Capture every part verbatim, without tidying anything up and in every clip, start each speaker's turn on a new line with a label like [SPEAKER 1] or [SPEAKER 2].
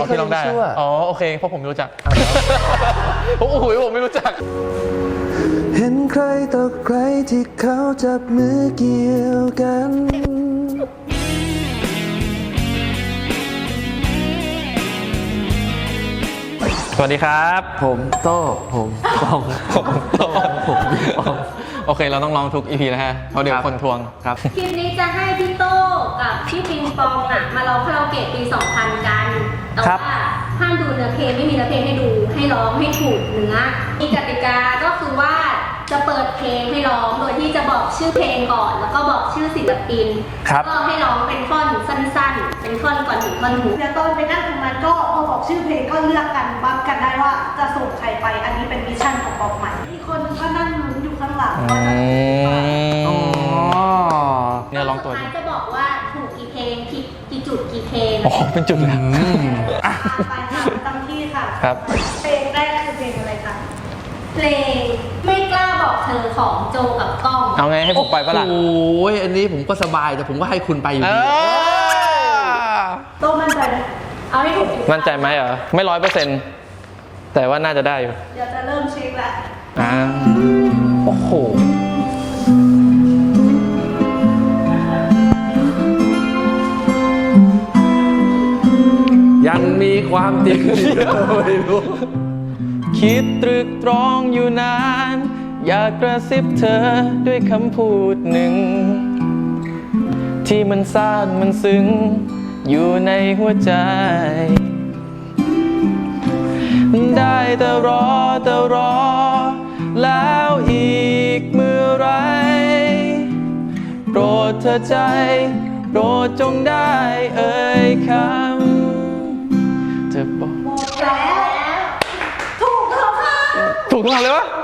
[SPEAKER 1] พี่ร้องได้อ๋อโอเคเพราะผมไม่รู้จักโอ้โหผมไม่รู้จัก
[SPEAKER 2] เห็นใครต่อใครที่เขาจับมือเกี่ยวกัน
[SPEAKER 1] สวัสดีครับ
[SPEAKER 2] ผมโต้ผมปอง
[SPEAKER 1] ผมโต้ผมปองโอเคเราต้องร้องทุก อี พี แล้วฮะเพราะเดี๋ยวคนทวงครับ
[SPEAKER 3] คลิปนี้จะให้พี่โต้กับพี่ปิงปองอ่ะมาร้องคาราโอเกะปีสองพันกันแต่ว่าห้ามดูเนื้อเพลงไม่มีเนื้อเพลงให้ดูให้ร้องให้ถูกเนื้อมีกติกาก็คือว่าจะเปิดเพลงให้ร้องโดยที่จะบอกชื่อเพลงก่อนแล้วก็บอกชื่อศิลปินก็ให้ร้องเป็นท่อนสั้นๆเป็นท่อนก่อนถึงท่อนฮุก
[SPEAKER 4] เดี๋ยวตอนไปนั่งตรงนั้นก็พอบอกชื่อเพลงก็เลือกกันบัฟกันได้ว่าจะส่งใครไปอันนี้เป็นมิชชั่นของบอกใหม่อีกคนก็นั่งลุ้นอยู่ข้างหลังว่าจะ
[SPEAKER 1] อ๋อเนี่ยร้องตัว
[SPEAKER 3] สุดท้ายจะบอกว่าถูกกี่เพลงผิดกี่จุดกี่เพลง
[SPEAKER 1] อ๋อเป็นจุดแล้ว
[SPEAKER 4] ไปค่ะตั้งที่ค่ะ
[SPEAKER 1] ครับ
[SPEAKER 4] เพลงแรกคือเพลงอะไรคะ
[SPEAKER 3] เพลงไม่กล้าบอกเธอของโจกับก้อง
[SPEAKER 1] เอาไงให้ผมไปปะล่ะ
[SPEAKER 2] โอ้ยอันนี้ผมก็สบายแต่ผมก็ให้คุณไปอยู่ดี
[SPEAKER 4] โตมั่นใจไหม
[SPEAKER 3] เอาให้ถูก
[SPEAKER 1] มั่นใจไหมเหรอไม่ร้อยเปอร์เซ็นต์แต่ว่าน่าจะได้อยู่
[SPEAKER 4] เดี๋ยวจะเริ่มเช็คแล้ว
[SPEAKER 1] อ่าโอ้โห
[SPEAKER 2] ยังมีความจริงไม่รู้
[SPEAKER 1] คิดตรึกตรองอยู่นานอยากกระซิบเธอด้วยคำพูดหนึ่งที่มันซ่านมันซึ้งอยู่ในหัวใจได้แต่รอแต่รอแล้วอีกเมื่อไรโปรดเธอใจโปรดจงได้เอ่ยคำเธอบอก
[SPEAKER 4] หมดแล้วถูกแล้วค่ะ
[SPEAKER 1] ถูกทุกคำเลยวะ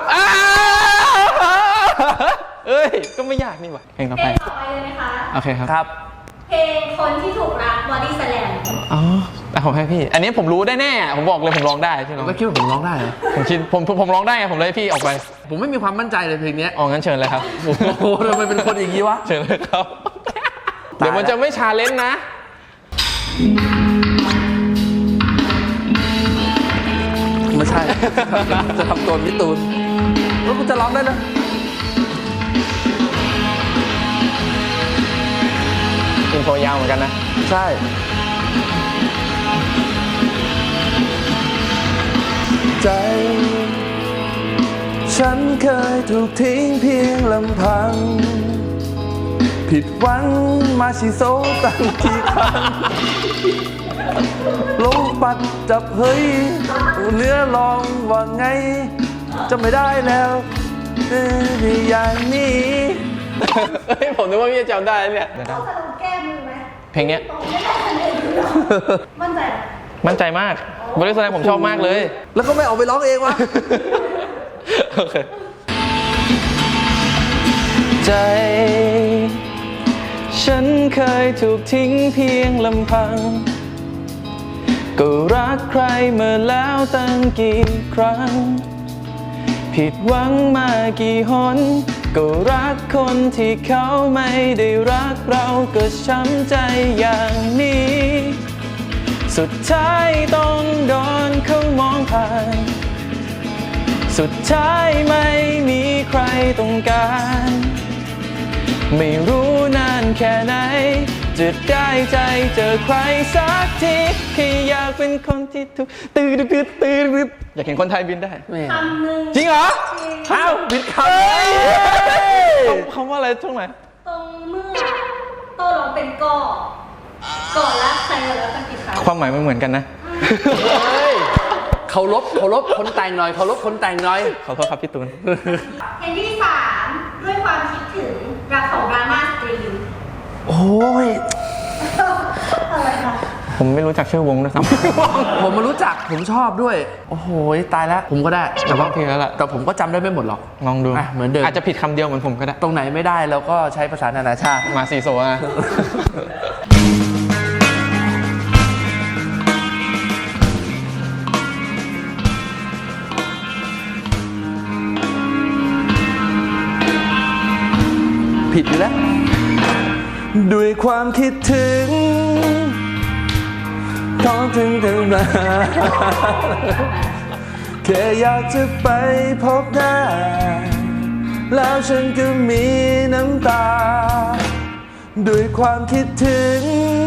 [SPEAKER 1] เอ้ยก็ไม่ยากนี่หว่าเพลงต่อไป
[SPEAKER 3] เพลงต่อไปเลยไหมคะ
[SPEAKER 1] โอเคครับ
[SPEAKER 2] ครับ
[SPEAKER 3] เพลงคนที่ถูกรักบอดี้สแลม
[SPEAKER 1] อ๋อแต่ผมให้พี่อันนี้ผมรู้ได้แน่ผมบอกเลยผมร้องได้ใช่ไหม
[SPEAKER 2] ไม่คิดว่าผมร้องได้เหรอ
[SPEAKER 1] ผมคิดผมผมร้องได้ไงผมเลยพี่ออกไป
[SPEAKER 2] ผมไม่มีความมั่นใจเลยเพลงนี้
[SPEAKER 1] อ๋องั้นเชิญเลยครับ
[SPEAKER 2] โอ้โหทำไมเป็นคนอย่างนี้วะ
[SPEAKER 1] เชิญเลยครับเดี๋ยวมันจะไม่ชาเลนจ์นะ
[SPEAKER 2] ไม่ใช่จะทำตัวมิตูนแล้วกูจะร้องได้นะ
[SPEAKER 1] อินโทรยาวเหมือนกันนะ
[SPEAKER 2] ใช่ใจฉันเคยถูกทิ้งเพียงลำพังผิดหวังมาชิโซตั้งกี่ครั้งลงปัดจับเฮ้ยเนื้อลองว่าไงจะไม่ได้แล้วอย่างนี้
[SPEAKER 1] เฮ้ยผมนึกว่าพี่จะจำได้เนี่ย
[SPEAKER 4] ต้องสะดุดแก้มือไหม
[SPEAKER 1] เพลงเนี้ย
[SPEAKER 4] มั่นใจ
[SPEAKER 1] มั่นใจมากบริษัทผมชอบมากเลย
[SPEAKER 2] แล้วก็ไม่ออกไปร้องเองวะ
[SPEAKER 1] โอเคใจฉันเคยถูกทิ้งเพียงลำพังก็รักใครมาแล้วตั้งกี่ครั้งผิดหวังมากี่หนก็รักคนที่เขาไม่ได้รักเราก็ช้ำใจอย่างนี้สุดท้ายต้องโดนเขามองผ่านสุดท้ายไม่มีใครต้องการไม่รู้นานแค่ไหนจะได้ใจเจอใครสักทีแค่อยากเป็นคนที่ถูกตื่นตื่นตื่นอยากเห็นคนไทยบินได้
[SPEAKER 3] คำหนึ่ง
[SPEAKER 1] จริงเหรอ
[SPEAKER 2] อ้าวบินคำ
[SPEAKER 1] คำว่าอะไรช่วงไหน
[SPEAKER 3] ตรงเมื่อโต้ร้องเป็นก่อก่อรักใครแล้วตั้งกี่ครั้ง
[SPEAKER 1] ความหมายไม่เหมือนกันนะ
[SPEAKER 2] เคารพเคารพคนแต่งหน่อยเคารพคนแต่งหน่อย
[SPEAKER 1] ขอโทษครับพี่ตูน
[SPEAKER 3] เพลงที่สามด้วยความคิดถึงรักของดราม่าสตรีม
[SPEAKER 2] โอ้ย
[SPEAKER 4] อะไรคะ
[SPEAKER 1] ผมไม่รู้จักชื่อวงด้วยซ้
[SPEAKER 2] ำผมมารู้จักผมชอบด้วยโอ้โหตายแล้วผมก็ได้
[SPEAKER 1] แต่ว่าเพลงแล้วล่ะ
[SPEAKER 2] แต่ผมก็จำได้ไม่หมดหรอก
[SPEAKER 1] ลองดู
[SPEAKER 2] เหมือนเดิม
[SPEAKER 1] อาจจะผิดคำเดียวเหมือนผมก็ได้
[SPEAKER 2] ตรงไหนไม่ได้แล้วก็ใช้ภาษานานาชาติ
[SPEAKER 1] มาซีโซนะ
[SPEAKER 2] ผิดอยู่แล้วด้วยความคิดถึงทของถึงกันมาแค่อยากจะไปพบหน้าแล้วฉันก็มีน้ำตาด้วยความคิดถึง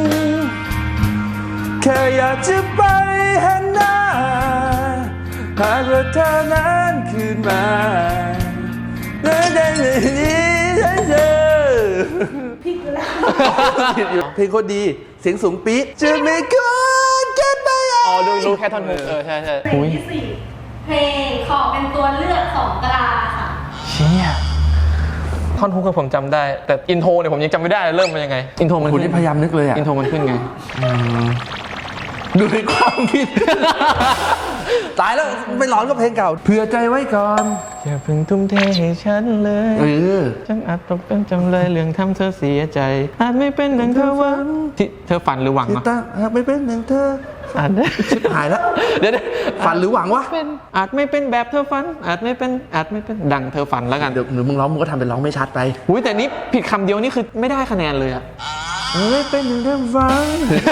[SPEAKER 2] แค่อยากจะไปเห็นหน้าหากว่าเธอนั้นคืนมาได้ได้เลยนี้ให้เธอ
[SPEAKER 4] พี่คือแล้ว
[SPEAKER 2] เพลงโคตรดีเสียงสูงปี๊ดจะไม่ควรเก็บไป
[SPEAKER 1] อ๋อรู้รู้แค่ท่อนฮุกเออใช่ใช่
[SPEAKER 4] เพลงที่สี่
[SPEAKER 3] เพลงขอเป็นตัวเลือกของกลาค่ะ
[SPEAKER 1] เชี่ยท่อนฮุกก็ผมจำได้ แต่อินโทรเนี่ยผมยังจำไม่ได้เริ่มมันยังไง อินโทรมัน
[SPEAKER 2] คุณ
[SPEAKER 1] ขึ้
[SPEAKER 2] นี่
[SPEAKER 1] น
[SPEAKER 2] พยายามนึกเลยอ่ะ
[SPEAKER 1] อินโทรมันขึ้นไง
[SPEAKER 2] ดูในความคิด ตายแล้วไปร้องกับเพลงเก่าเผื่อใจไว้ก่อน
[SPEAKER 1] อย่าเพิ่งทุ่มเทให้ฉันเลย
[SPEAKER 2] เออ
[SPEAKER 1] ฉันอาจตกเป็นจำเลยเรื่องทำเธอเสียใจ อาจไม่เป็นดังเธอหวังที่เธอฝันหรือหวัง
[SPEAKER 2] ที่
[SPEAKER 1] วะ
[SPEAKER 2] ตาหากไม่เป็นอย่างเธอ
[SPEAKER 1] อาจ
[SPEAKER 2] ชิบหายแล้ว
[SPEAKER 1] เดี๋ยวเดี๋ยว
[SPEAKER 2] ฝันหรือหวังวะ
[SPEAKER 1] เป็นอาจไม่เป็นแบบเธอฝัน อาจไม่เป็นอาจไม่เป็นดังเธอฝันแล้วกัน
[SPEAKER 2] เดี๋ยวหรือมึงร้องมึงก็ทำเป็นร้องไม่ชัดไป
[SPEAKER 1] อุ้ยแต่นี้ผิดคำเดียวนี่คือไม่ได้คะแนนเลยอะ
[SPEAKER 2] ไม่เป็นอย่างเธอฟัง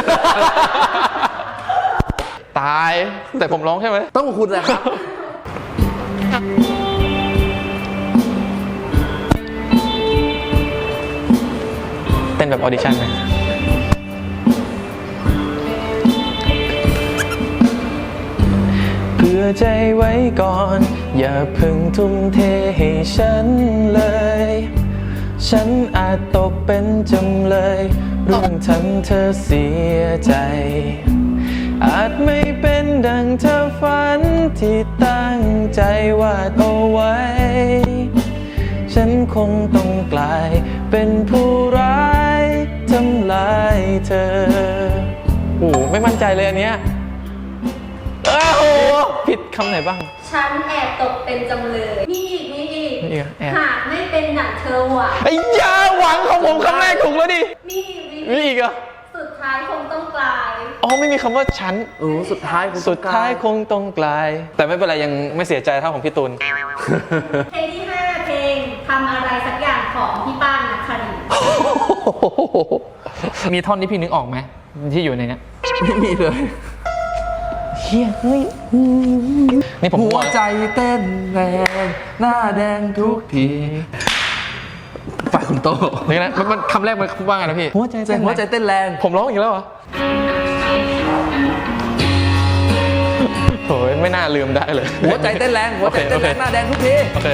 [SPEAKER 1] ตายแต่ผมร้องใช่ไหม
[SPEAKER 2] ต้องคุณแหละครับ
[SPEAKER 1] เต้นแบบออดิชั่นไหมเผื่อใจไว้ก่อน อย่าเพิ่งทุ่มเทให้ฉันเลย ฉันอาจตกเป็นจำเลยเรื่องทำเธอเสียใจ อาจไม่เป็นดังเธอฝันที่ตั้งใจวาดเอาไว้ ฉันคงต้องกลายเป็นผู้ร้ายทำลายเธอโอ้ไม่มั่นใจเลยอันเนี้ยอ้าวโหผิดคำไหนบ้าง
[SPEAKER 3] ฉันแอบตกเป็นจำเลยนี่อีกนี่อีก
[SPEAKER 1] นี่อีกแอบ
[SPEAKER 3] หากไม่เป็นดังเธอหวัง
[SPEAKER 1] ไอ้ยาหวังของผมคำแรกถูกแล้วดิ
[SPEAKER 3] นี่อีก
[SPEAKER 1] มี
[SPEAKER 3] นี่อีก
[SPEAKER 1] อีกเหรอ่ะ
[SPEAKER 3] สุดท้ายคงต้องกลาย
[SPEAKER 1] อ๋อไม่มีคำว่าฉัน
[SPEAKER 2] เออสุดท้ายคุณ
[SPEAKER 1] สุดท้ายคงต้องกลาย แต่ไม่เป็นไรยังไม่เสียใจเท่าของพี่ตูน
[SPEAKER 3] เพลงที่ห้าเพลงทำอะไรสักอย่างของพี่ป้านนักครินทร์
[SPEAKER 1] มีท่อนที่พี่นึกออกไหมที่อยู่ในเนี้ย
[SPEAKER 2] ไม่มีเลย
[SPEAKER 1] เฮียเฮ้ยนี่ผม
[SPEAKER 2] หัวใจเต้นแรงหน้าแดงทุกทีฝ่ายคุณโต
[SPEAKER 1] นี่นะมันมันคำแรกมันว่าไงนะพี่หัวใจ
[SPEAKER 2] ใจหัวใจเต้นแรง
[SPEAKER 1] ผมร้องอีกแล้วเหรอโอ้ยไม่น่าลืมได้เลย
[SPEAKER 2] หัวใจเต้นแรงหัวใจเต้นแรงหน้าแดงทุกที
[SPEAKER 1] โอเค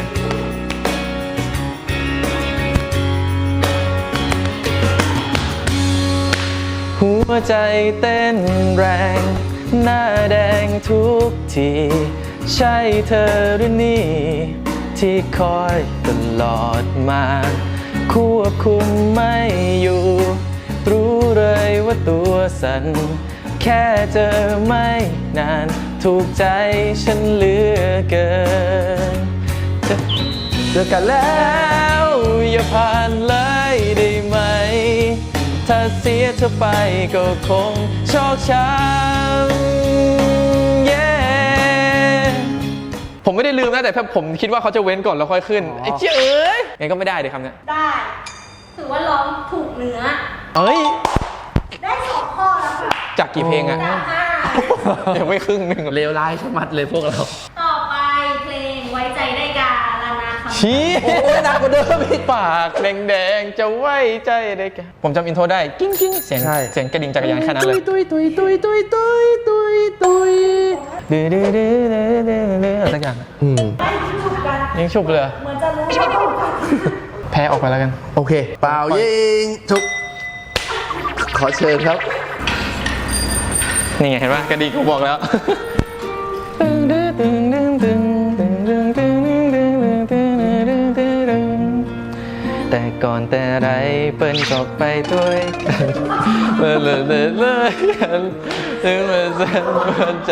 [SPEAKER 1] หัวใจเต้นแรงหน้าแดงทุกทีใช่เธอหรือนี่ที่คอยตลอดมาควบคุมไม่อยู่รู้เลยว่าตัวสั่นแค่เจอไม่นานถูกใจฉันเหลือเกินจะเจอกันแล้วอย่าผ่านเลยได้ไหมถ้าเสียเธอไปก็คงชอกช้ำ yeah ผมไม่ได้ลืมนะแต่ผมคิดว่าเขาจะเว้นก่อนแล้วค่อยขึ้นไอ้เจ้ยเอ้ยงั้นก็ไม่ได้เดี๋ยวคำเนี้ย
[SPEAKER 3] ได้ ถือว่าร้องถูกเนื้อ
[SPEAKER 1] เอ้ย
[SPEAKER 4] ได้สองข้อแล้วค่ะ
[SPEAKER 1] จากกี่เพลงอะ
[SPEAKER 3] จากห้า
[SPEAKER 1] ยังไม่ครึ่งหนึ่ง
[SPEAKER 2] เลวร้ายชะมัดเลยพวกเรา
[SPEAKER 3] ต่อไปเพลงไว้ใจได้กาลานาคำ
[SPEAKER 1] ชี้
[SPEAKER 2] โอ้ยหนักกว่าเดิมอีก
[SPEAKER 1] ปากแดงๆจะไว้ใจได้แกผมจำอินโทรได้กิ้งกิ้งเสียง
[SPEAKER 2] ใช่
[SPEAKER 1] เสียงกระดิ่งจักรยานแค่นั้นเลย
[SPEAKER 2] ตุยตุยตุยตุยตุยตุยตุย
[SPEAKER 1] ดื้อดื้อดื้อดื้อดื้อดื้ออะไรสักอย่างอะ
[SPEAKER 2] อืม
[SPEAKER 4] ได้ยิงฉุบกัน
[SPEAKER 1] ยิงฉุบเลย
[SPEAKER 4] เหมือนจะรู้ว่าต้องกัน
[SPEAKER 1] แพ้ออกไปแล้วกัน
[SPEAKER 2] โอเค เปล่ายิงชุบขอเชิญครับ
[SPEAKER 1] นี่ไงเห็นปะกระดิ่งกูบอกแล้ว แต่ก่อนแต่ไรเปิ้นก็ไปด้วยกันเลยเลยเลยเลยกันถึงมาเส้นหัวใจ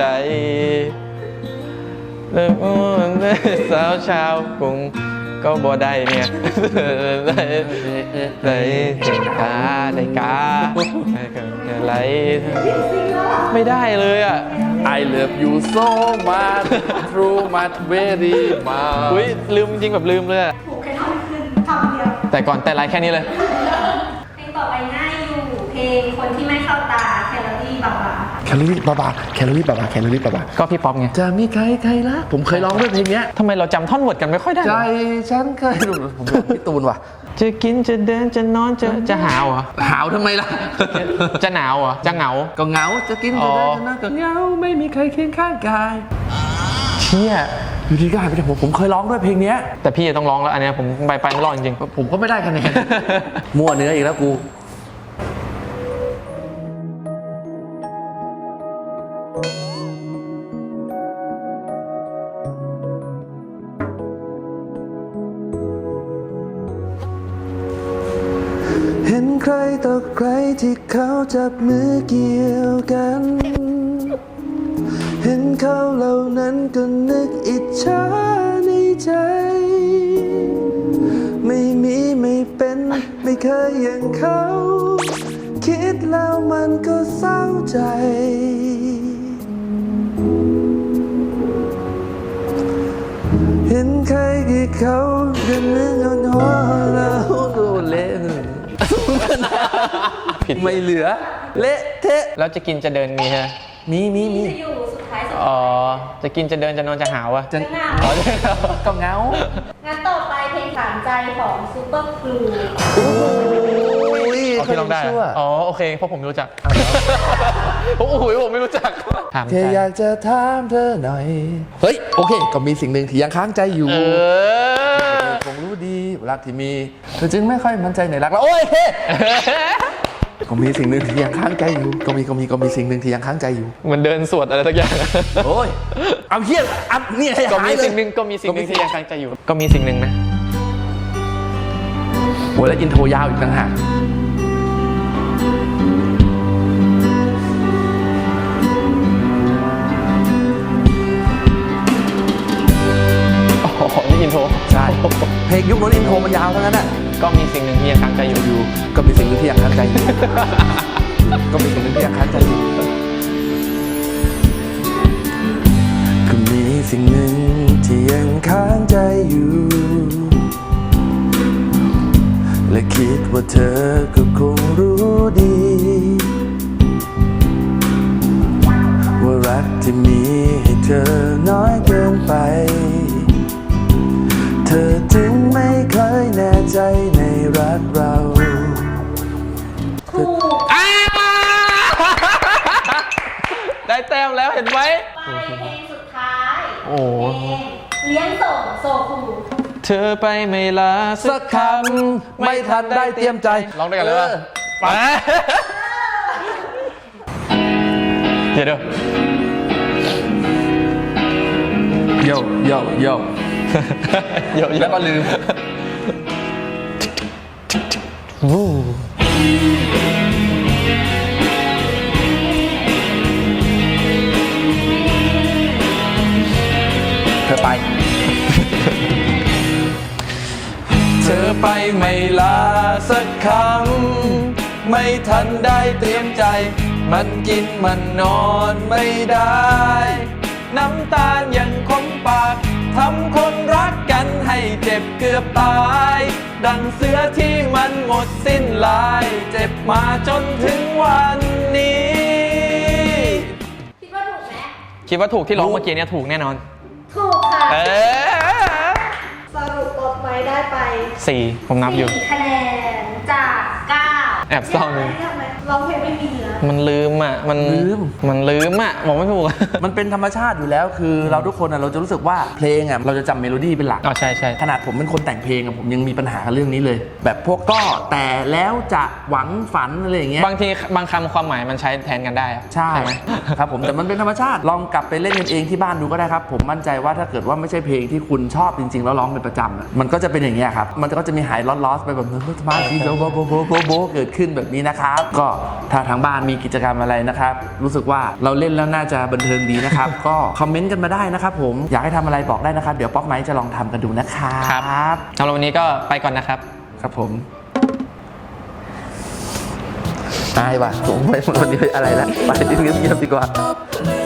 [SPEAKER 1] เริ่มอ้วนได้สาวชาวกรุงก็บ่ได้เนี่ยได้ได้ถึงกาได้กาอะไรไม่ได้เลยอ่ะ
[SPEAKER 2] I love you so much true much very much
[SPEAKER 1] อุ้ยลืมจริงแบบลืมเลยอะ
[SPEAKER 4] ถูกแค่ท่อนขึ้นคำเดียว
[SPEAKER 1] แต่ก่อนแต่ไรแค่นี้เลย
[SPEAKER 3] เพลงต่อไปง่ายอยู่ เพลงคนที่ไม่เข้าตาแคลอรี่บางๆ
[SPEAKER 2] แคลอรี่บาบาแคลอรี่บาบาแคลอรี่บาบา
[SPEAKER 1] ก็พี่ป๊อปไง
[SPEAKER 2] จะมีใครใครละผมเคยร้องด้วยเพลงเนี้ย
[SPEAKER 1] ทำไมเราจำท่อนเวิร์ดกันไม่ค่อยได้
[SPEAKER 2] ใจฉันเคยผมบอกพี่ตูนว่ะ
[SPEAKER 1] จะกินจะเดินจะนอนจะจะหาวเหรอ
[SPEAKER 2] หาวทำไมล่ะ
[SPEAKER 1] จะหนาวเหรอจะเหงา
[SPEAKER 2] ก็เหงาจะกินจะเดินจะนั่งก็เหงาไม่มีใครเคียงข้างกาย
[SPEAKER 1] เชี่ย
[SPEAKER 2] อยู่ที่กายไปแต่ผมผมเคยร้องด้วยเพลงเนี้ย
[SPEAKER 1] แต่พี่ต้องร้องแล้วอันเนี้ยผมไปไปไม่รอดจริง
[SPEAKER 2] ผมก็ไม่ได้คะแนน มั่วเนื้ออีกแล้วกูเห็นใครต่อใครที่เขาจับมือเกี่ยวกัน เห็นเขาเหล่านั้นก็นึกอิจฉาในใจ ไม่มีไม่เป็นไม่เคยอย่างเขา คิดแล้วมันก็เศร้าใจ เห็นใครที่เขาเดินเรื่องอ่อนหัวเราโดนเละ
[SPEAKER 1] ๆผิด
[SPEAKER 2] ไม่เหลือ เละเทะ
[SPEAKER 1] แล้วจะกินจะเดินมีใช่ไหม
[SPEAKER 2] มีมีมี
[SPEAKER 3] จะอยู่สุดท้ายสุด
[SPEAKER 1] อ๋อจะกินจะเดินจะนอนจะหาวอะ
[SPEAKER 2] จะ
[SPEAKER 3] หน้า
[SPEAKER 1] อ๋อ
[SPEAKER 2] ก็เหงา
[SPEAKER 3] งั้นต่อไปเพลงถามใจของซูเปอร์ครู
[SPEAKER 2] โอ้ย
[SPEAKER 1] เอาพี่ร้องได้
[SPEAKER 2] ชั่ว
[SPEAKER 1] อ๋อโอเคเพราะผมไม่รู้จักโอ้โหผมไม่รู้จักถาม
[SPEAKER 2] แค่อยากจะถามเธอหน่อย เฮ้ย โอเค ก็มีสิ่งหนึ่งที่ยังค้างใจอยู่
[SPEAKER 1] เออ
[SPEAKER 2] คงรู้ดีรักที่มีเธอจึงไม่ค่อยมั่นใจในรักแล้วโอ้ยเฮ้ ก็มีสิ่งหนึ่งที่ยังค้างใจอยู่ ก็มีก็มีก็มีสิ่งหนึ่งที่ยังค้างใจอยู่
[SPEAKER 1] เหมือนเดินสวดอะไรสักอย่าง
[SPEAKER 2] โอ้ย เอาเฮี้ยอัพเนี่ยให้
[SPEAKER 1] ก็
[SPEAKER 2] หา
[SPEAKER 1] มี
[SPEAKER 2] ยเลย
[SPEAKER 1] สิ่งหนึ่งก็มีสิ่งหนึ่งที่ยังค้างใจอยู่ ก็มีสิ่งหนึ่งนะ
[SPEAKER 2] โอ้ยแล้วอินโทรยาวอีกต่างหาก
[SPEAKER 1] อ๋อนี่อินโทร
[SPEAKER 2] ใช่ เพลงยุคโน้นอินโทรมันยาวเท่านั้นน่ะ
[SPEAKER 1] ก็มีสิ่งหนึ่งที่ยังค้างใจอยู่
[SPEAKER 2] อยู่ก็มีสิ่งหนึ่งที่ยังค้างใจอยู่ ก็มีสิ่งหนึ่งที่ยังค้างใจอยู่ ก็มีสิ่งหนึ่งที่ยังค้างใจอยู่ และคิดว่าเธอก็คงรู้ดี ว่ารักที่มีให้เธอน้อยเกินไป เธอจึงไม่เคยแน่ใจในรักเรา
[SPEAKER 3] ถูก
[SPEAKER 1] ได้แต้มแล้วเห็นไหม
[SPEAKER 3] ไปเพลงสุดท้าย
[SPEAKER 1] โอ้
[SPEAKER 3] เพลงเลี้ยงส่งโซคู
[SPEAKER 1] เธอไปไม่ลาสั
[SPEAKER 2] สั
[SPEAKER 1] ก
[SPEAKER 2] ก
[SPEAKER 1] ค
[SPEAKER 2] คำไม่ทันได้เตรียมใจ
[SPEAKER 1] ำร้องด้วยกันเลยป่ะ
[SPEAKER 2] ไป
[SPEAKER 1] เดี๋ยวเดี๋ยว
[SPEAKER 2] โยโยโย
[SPEAKER 1] เดี๋ยว
[SPEAKER 2] แล้วก็ลืม
[SPEAKER 1] วู้
[SPEAKER 2] เธอไป
[SPEAKER 1] เธอไปไม่ลาสักคำไม่ทันได้เตรียมใจ มันกินมันนอนไม่ได้ น้ำตาลยังคมปากทำคนรักกันให้เจ็บเกือบตาย ดังเสือที่มันหมดสิ้นลาย เจ็บมาจนถึงวันนี้
[SPEAKER 3] คิดว่าถูกไหม
[SPEAKER 1] คิดว่าถูกที่ร้องเมื่อกี้เนี่ยถูกแน่นอน
[SPEAKER 3] ถูกค่ะ
[SPEAKER 1] เออ
[SPEAKER 4] สรุปตบไม้ได้ไป
[SPEAKER 1] สี่ผมนับอยู่
[SPEAKER 3] สี่คะแนนจากเก้า
[SPEAKER 1] แอบเศร้าหนึ่ง
[SPEAKER 4] เรียกไหมร้องเพลงไม่มีเนื้อ
[SPEAKER 1] มันลืมอ่ะ มัน
[SPEAKER 2] ลืม
[SPEAKER 1] มันลืมอ่ะบอกไม่ถูก
[SPEAKER 2] มันเป็นธรรมชาติอยู่แล้ว คือเราทุกคนอะเราจะรู้สึกว่าเพลงอะเราจะจำเมโลดี้เป็นหลัก
[SPEAKER 1] อ๋อใช่ใช่
[SPEAKER 2] ขนาดผมเป็นคนแต่งเพลงอะผมยังมีปัญหากับเรื่องนี้เลย แบบพวกก็แต่แล้วจะหวังฝันอะไรอย่างเงี้ย
[SPEAKER 1] บางทีบางคำความหมายมันใช้แทนกันได้อะ
[SPEAKER 2] ใช่
[SPEAKER 1] ไหม
[SPEAKER 2] ครับผมแต่มันเป็นธรรมชาติลองกลับไปเล่นกันเองที่บ้านดูก็ได้ครับ ผมมั่นใจว่าถ้าเกิดว่าไม่ใช่เพลงที่คุณชอบจริงๆ แล้วร้องเป็นประจำอะมันก็จะเป็นอย่างเงี้ยครับมันก็จะมีหายลอสๆไปแบบนึกมาทีโบโบโบโบโบเกิดขึ้นแบบนี้นะครับก็ถ้าทางบ้านมีกิจกรรมอะไรนะครับรู้สึกว่าเราเล่นแล้วน่าจะบันเทิงดีนะครับ ก็คอมเมนต์กันมาได้นะครับผมอยากให้ทำอะไรบอกได้นะครับเดี๋ยวป๊อปไมค์จะลองทำกันดูนะครับ
[SPEAKER 1] ครับสำหรับวันนี้ก็ไปก่อนนะครับ
[SPEAKER 2] ครับผมอายว่ะผมไม่วันนี้อะไรแล้วไปเงียบๆดีกว่า